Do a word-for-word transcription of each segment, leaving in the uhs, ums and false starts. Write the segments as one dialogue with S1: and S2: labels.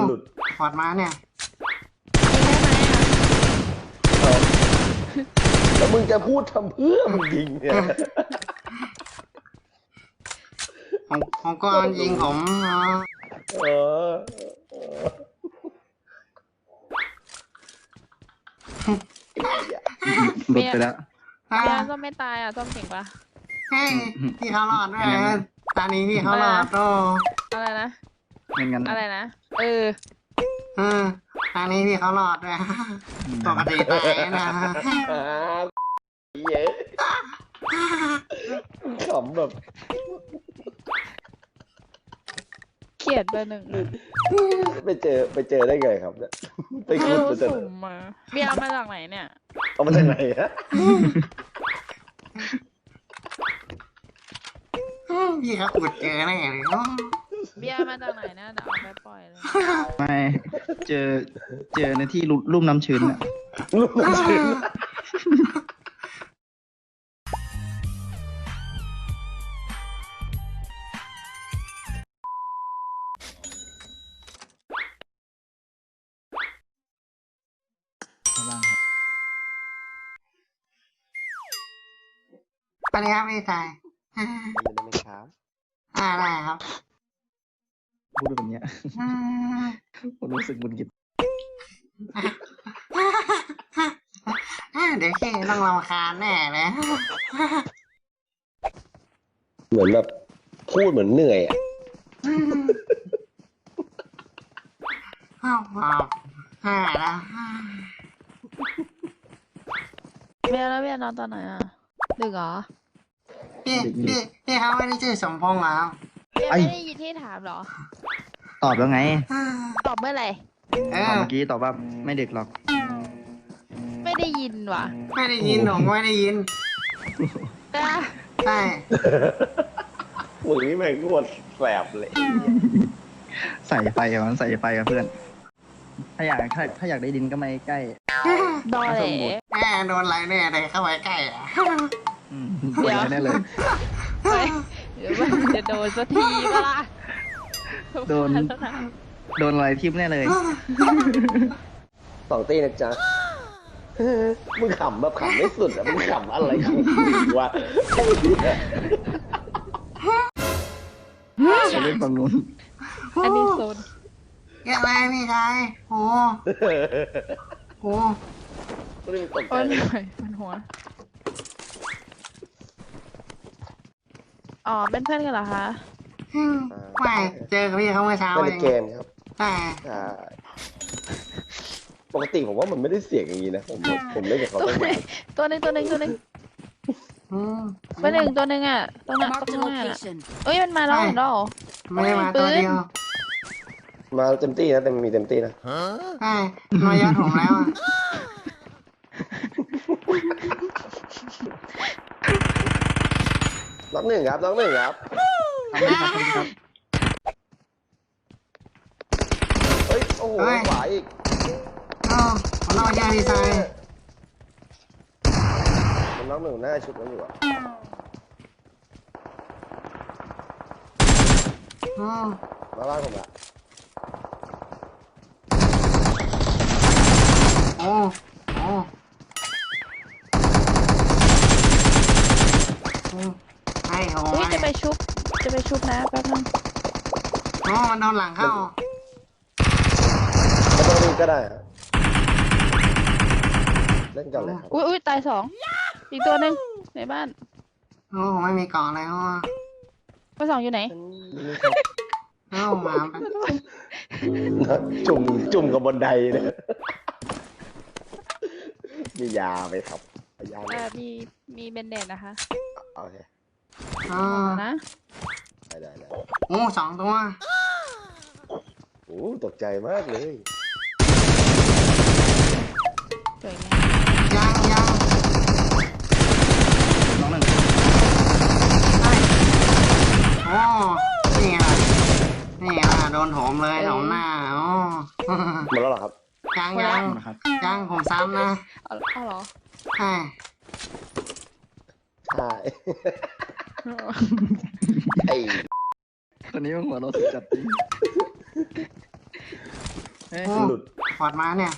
S1: หลุด
S2: พอดมาเนี่ย
S1: แล้วมึงจะพูดทำเพื่อมึงยิงเนี่ย
S2: ผมผมก็ยิงผม
S1: เออ
S3: หลุดไปแล้ว
S4: เบียร์ส้มไม่ตายอ่ะส้มเก่งปะ
S2: เฮ้ยพี่เขาหลอดด้วยตอนนี้พี่เขาหลอดโต
S4: อะไรนะ
S3: เงินกัน
S4: อะไรนะเออ
S2: เออตอนนี้พี่เขาหลอดด้วยปกติตายนะ
S1: เยอะขำแบบ
S4: เขียดไปหนึ่ง
S1: ไปเจอไปเจอได้ไงครับเนี่ยไปคุยมาจากไหน
S4: มาเบียร์มาจากไหนเนี่ย
S1: เอามาจากไหนฮะ
S2: พี่เขาอุดเจอแน่เลย
S4: เบียร์มาจากไหนเนี่ยเดี๋ยวเอาไปปล่อยเลย
S3: ไม่เจอเจอในที่ลุ่มน้ำชื้นอะ
S1: ลุ่มน้ำชื้น
S2: ไปเลยครับพี่ชาย
S1: ไม่ได้ครับ
S2: อะไรครับ
S3: พูดแบบนี้ผมรู้สึกบุญกิจ
S2: เดี๋ยวแค่ต้องรำคาญแน่เลย
S1: เหมือนแบบพูดเหมือนเหนื่อยอ่ะ
S2: อ้าวอ้าวฮ่าแล้ว
S4: เบียร์แล้วเบียร์นอนตอนไหนอ่ะดึกเหรอ
S2: พี่พี่พี่เขาไม่ได้ชื่อสมพงษ์เหรอ
S4: เบียร์ไม่ได้ยินที่ถามหรอ
S3: ตอบแล้วไง
S4: ตอบเมื่อไหร่
S3: ตอบเมื่อกี้ตอบว่าไม่ดึกหรอก
S4: ไม่ได้ยินว่ะ
S2: ไม่ได้ยินหรอกไม่ได้ยินใช่
S1: มึงนี่แม่งโคตรแสบเลย
S3: ใส่ไฟอ่ะมันใส่ไฟกับเพื่อนถ้าอยากถ้าถ้าอยากได้ดินก็ไม่ใกล้
S4: ดอแหล่
S2: แม่โดนอะไรแน่เลยเข้าไปใกล้อ่ะ
S3: เดี๋ยวแน่เลย
S4: เดี๋ยวมันจะโดนสักทีก็ล่ะ
S3: โดนโดนอะไรทิ่มแน่เลย
S1: สองตีนะจ๊ะมึงขำแบบขำไม่สุดอ่ะมึงขำอะไรของวะ
S3: จะเล่นฝั่งนู้น
S4: อันนี้โซน
S2: ยังไงพี่ชายโอ้โห
S4: โอ้ยมันหัวอ๋อเป็นเพื่อนกันเหรอคะ
S2: ไม่เจอกับพี่เขาเมื่อเช้า
S1: เล่นเกมครับ
S2: ใช่
S1: ปกติผมว่ามันไม่ได้เสียงอย่างนี้นะผมผมเล่นกับเขาตั้งนาน
S4: ตัวหนึ่งตัวหนึ่งตัวหนึ่งตัวหนึ่งตัวหนึ่งอ่ะตรงนั้นตรงนั้นเอ้ยมันมาแล้วเหรอ
S2: ไม่ได้มาตัวเดียว
S1: มาเต็มที่นะแต่มีเต็มที่นะ
S2: ใช่มายอดผมแล้ว
S1: น้องหนึ่งครับน้องหนึ่งครับเฮ้ยโอ้โหขวาอีก
S2: อ๋อผมรอยาดีไซน์
S1: มันน้องหนึ่งหน้าชุดนั้นอยู่อ่ะมาบ้านผมละ
S2: โอ้โอ้ไอ้โห
S4: จะไปชุบจะไปชุบนะแป๊บนึง
S2: อ๋อมันโดนหลังเข้า
S1: ไม่ต้องรีบก็ได้เล่นกันเลยครับ
S4: อุ้ยอุ้ยตายสองอีกตัวหนึ่งในบ้าน
S2: โอ้ไม่มีกล่องเลยอ๋อ
S4: ไปสองอยู่ไหน
S2: เอ้ามา
S1: จุ่มจุ่มกับบนไดเลยมียาไหมครับยา
S4: มีมีเบนเดนนะคะ
S1: โอเค
S2: อ๋อ
S4: นะ
S1: ได้ได้ได้
S2: โอ้สองตัว
S1: โอ้ตกใจมากเลย
S2: ยังยัง
S3: น้องหนึ่ง
S2: โอ้นี่ไงนี่ไงโดนโถมเลยโถมหน้าอ๋อ
S1: หมดแล้วเหรอครับ
S2: ยังยังยังผมซ้ำนะ
S4: เอาเหรอ
S2: ใช่
S1: ใช่ไอ้
S3: ตอนนี้มันหัวเราสุดจัดเฮ้ย
S2: โอ้
S1: หลุด
S2: พอดมาเนี่ย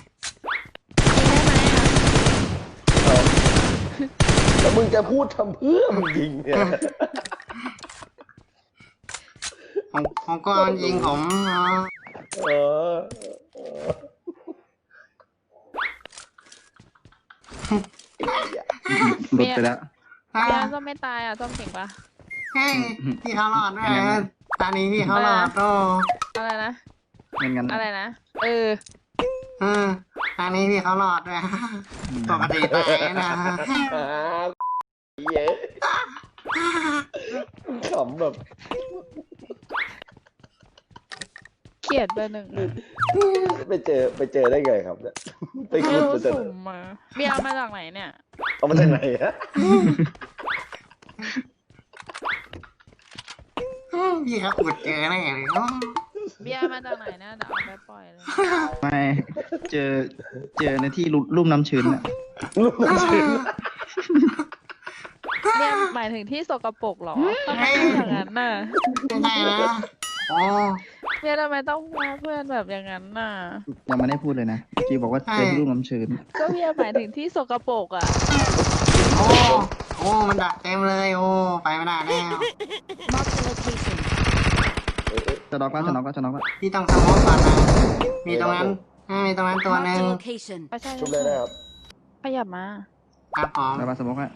S4: ยิงได้ไหมอ่ะ
S1: เอาแล้วมึงจะพูดทำเพื่อมึงยิงเนี่ย
S2: ผมผมก็ยิงผมเนาะ
S1: เออเออ
S3: หลุดไปแล้ว
S2: อ่ะ
S4: เบียร์ส้มไม่ตายอ่ะส้มเก่งปะ
S2: เฮ้ยพี่เขารอดด้วยนะตอนนี้พี่เขารอดโอ้
S4: อะไรนะ
S3: เงินกัน
S4: อะไรนะ เออ
S2: เออตอนนี้พี่เขารอดด้วยปกติตายนะ
S1: อ้าวเย้ขำแบบ
S4: เกลียดเบอร์หนึ่งอะ
S1: ไปเจอไปเจอได้ไงครับเนี่ยไป
S4: ไม่
S1: คุด
S4: รู้
S1: มาจาก
S4: สุ่มมาเบียร์มาจากไหนเนี่ย
S1: เอามาจากไหนฮะ
S2: พี่เขาอุดเจอแน่เลยเนาะ
S4: เบียร์มาจากไหนเนี่ยเดี๋ยวเอาไปปล่อยเลย
S3: ไม่เจอเจอในที่ลุ่มลุ่มน้ำชื้นอ่ะ
S1: ลูกน้ำชื้น
S4: เบียร์หมายถึงที่สกปรกเหรอทำไมต้องอย่างนั้นน่ะ
S2: ไม่ได้นะโอ้
S4: เบียร์ทำไมต้องว่าเพื่อนแบบอย่างนั้นน่ะ
S3: ยังไม่ได้พูดเลยนะเมื่อกี้บอกว่าเจอที่ลุ่มน้ำชื้น
S4: ก็เบียร์หมายถึงที่สกปรกอ่ะ
S2: โอ้โอ้มันดักเต็มเลยโอ้ไปไม่ได้แล้ว
S3: จะน็อกแล้วจะน็อกแล้วจะน็อกแล้ว
S2: พี่ต้องสโมกก่อนนะมีตรงนั้นอ่ามีตรงนั้นตัวหนึ่ง
S5: location.
S4: ไม่ใช่
S1: ชุบเลยนะครับ
S4: ขยับมา
S2: ครับผม
S3: ไปมาสมมติให้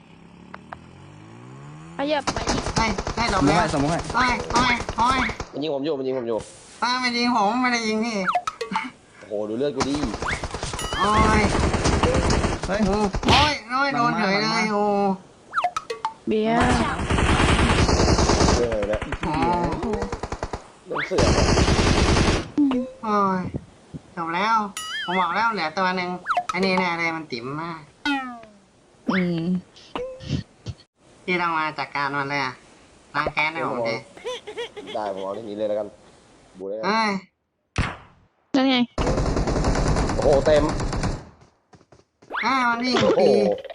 S4: ขยับมาอีก
S2: เฮ้ยได้หล
S3: ส
S2: บ
S3: มมติ
S2: แล้ว
S3: ให้สมมติให้
S2: โอ้ยโอ้ยโอ้ย
S1: มันยิงผมอยู่มันยิงผมอยู่
S2: ป้าไม่ยิงผมไม่ได้ยิงพี่
S1: โอ้โหดูเลือดกูดิ
S2: โอ้ย
S3: เฮ้ย
S2: โอ้โอ้ยโอ้ยโดนเฉยเลยโอ้
S4: เบียร์
S1: เรื่องอะไรเนี่ย
S2: โอ้
S1: มันเสือกอะ
S2: โอ้ยจบแล้ว ผมบอกแล้วเหลือตัวหนึ่งอันนี้แน่เลยมันติ๋มมาก
S4: อืม
S2: พี่ต้องมาจัดการมันเลยอะล้างแค้นให้ผมดิ
S1: ได้ผมเอาที่นี้เลยแล้วกันบูเลยกัน
S2: เอ้ย
S4: นั่นไง
S1: โอ้โหเต็ม
S2: อ้ามันวิ่ง
S1: โอ้โห
S2: ปี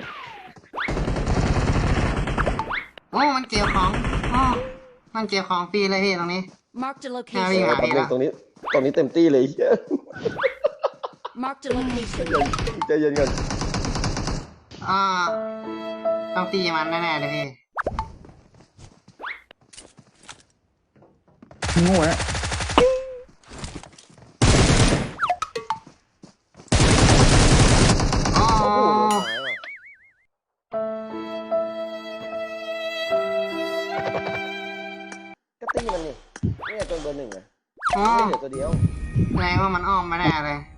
S2: โอ้มันเกี่ยวของโอ้มันเกี่ยวของฟรีเลยพี่ตรงนี้
S5: Marked a
S2: อ่า
S5: location.
S2: วิ่ง
S1: แป๊บนึงตรงนี้ตรงนี้เต็มที่เลยเหี้ย
S5: Marked a location.
S1: ใจเย็นกัน
S2: อ่าต้องตีมันแน่ๆเลยพี่
S3: โง่แล้ว
S2: โอ้
S1: โอ้โหโดนซ้ายว่ะก็ตีมันนี่เนี่ยจนเบอร์หนึ่งอะ
S2: โอ้
S1: ไม่เหลือตัวเดียว
S2: แสดงว่ามันอ้อมมาแน่เลย